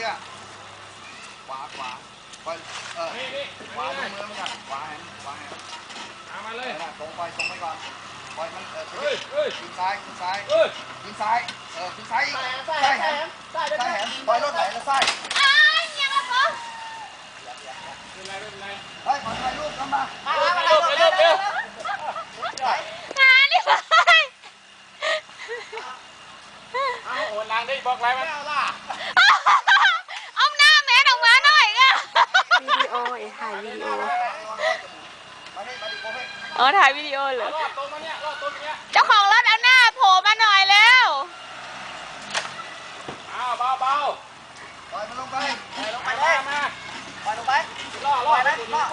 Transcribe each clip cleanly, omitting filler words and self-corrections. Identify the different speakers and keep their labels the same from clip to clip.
Speaker 1: กี้ขวาไปขวาดูมือมันก่อนขวาแหน
Speaker 2: มาเลย
Speaker 1: ตรงไปก่อนปล่อยมันขึ้นซ้ายขึ้นซ้ายขึ้นซ้ายอีกซ้ายแหนปล่อยรถไหลแล้วซ้าย
Speaker 3: ยังละปุ๊บ
Speaker 2: เป็นไร
Speaker 1: เฮ้ยขอถ่ายรูปกันมา
Speaker 2: เร็ว
Speaker 3: หาดิไป
Speaker 2: โอนนางได้บอกไรมัน
Speaker 3: เอาหน้าแม่ออกมาหน่อยอ่ะ
Speaker 4: วิดีโอถ่ายวิดีโอถ่ายวิดีโอเหรอ
Speaker 2: รอดตรงมาเนี่ยรอดตรงเนี้ย
Speaker 3: เจ้าของรถเอาหน้าโผล่มาหน่อยแล้ว
Speaker 2: เบา
Speaker 1: ปล่อยมันลงไป
Speaker 2: มา
Speaker 1: ปล่อยลงไป
Speaker 2: ล่อปล่อยเลย
Speaker 1: ป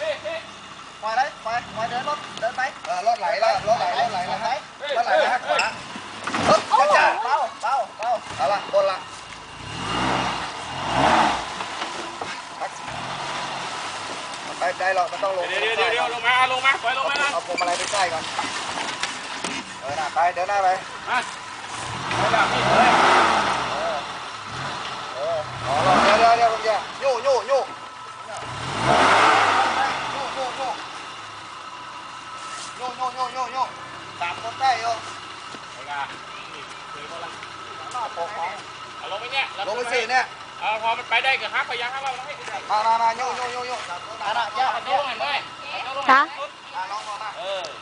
Speaker 1: ล่อยเดินไปรถไหลแล้วรถไหลแล้วขวาจ้าเบาเอาละบนละไปได้หรอกมันต้องลง
Speaker 2: เดี๋ยวลงมาปล่อยลงมา
Speaker 1: เอาพวงมาลัยไปใกล้ก่อนไปเดินหน้าไป
Speaker 2: มาไปแล้วพี่
Speaker 1: เดี๋ยวโย่ตามคนได้โย่
Speaker 2: ลงไปเนี่ย
Speaker 1: ลงไปสิเนี่ย
Speaker 2: พอมันไปได้ก็ฮักไปยังฮักเราให้
Speaker 1: มาโย่
Speaker 2: เอาลงหน่อยได้
Speaker 4: จ้ะ
Speaker 1: ลองมา